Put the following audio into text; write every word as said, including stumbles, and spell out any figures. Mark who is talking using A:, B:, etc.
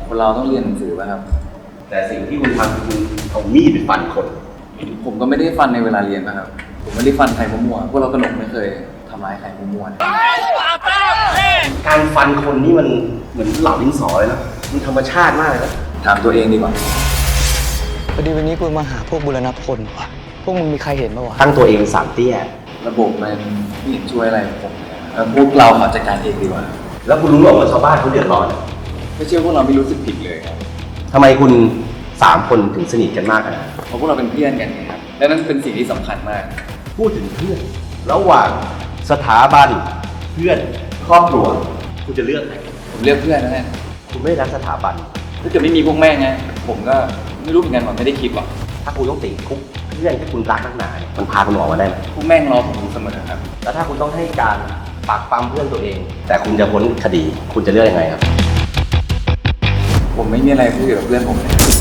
A: คนเราต้องเรียนหนังสือป่ะครับ
B: แต่สิ่งที่คุณทำคือเอามีดไปฟันคน
A: ผมก็ไม่ได้ฟันในเวลาเรียนนะครับผมไม่ได้ฟันใครมั่วๆพวกเรากระหนกไม่เคยทำร้ายใครมั่วๆนะ
B: การฟันคนนี่มันเหมือนเหล่าดินสอเลยนะมันธรรมชาติมากเลยนะ
A: ถามตัวเองดีกว่า
C: พอดีวันนี้กูมาหาพวกบุรณพลว่ะพวกมึงมีใครเห็นปะวะ
B: ตั้งตัวเองสามเตี้ย
A: ระบบมันไม่เห็นช่วยอะไรผมเลยแล้วพวกเราขอจัดการเองดีกว่า
B: แล้วคุณรู้หรอว่าชาวบ้านเขาเดือดร้อน
A: ไม่เชื่อพวกเราไม่รู้สึกผิดเลยครับ
B: ทำไมคุณสามคนถึงสนิทกันมากนะ
A: เพราะพวกเราเป็นเพื่อนกันไงครับและนั่นเป็นสิ่งที่สำคัญมาก
B: พูดถึงเพื่อนระหว่างสถาบันเพื่อนครอบครัวคุณจะเลือกไหน
A: ผมเลือกเพื่อนนะเนี่ย
B: คุณไม่รักสถาบัน
A: ถ้าเกิดไม่มีพวกแม่ไงผมก็ไม่รู้เหมือนกันว่าไม่ได้คิดหรอก
B: ถ้าคุณต้องติดคุกเพื่อนที่คุณรักนักหนาเนี่ยมันพาคุณออกมาได้ไหม
A: พวกแม่งรอผมอยู่เสมอครับ
B: แล้วถ้าคุณต้องให้การปากปั๊มเพื่อนตัวเองแต่คุณจะพ้นคดีคุณจะเลือกยังไงครับ
A: ผมไม่มีอะไรพูดเกี่ยวกับเพื่อนผมเลย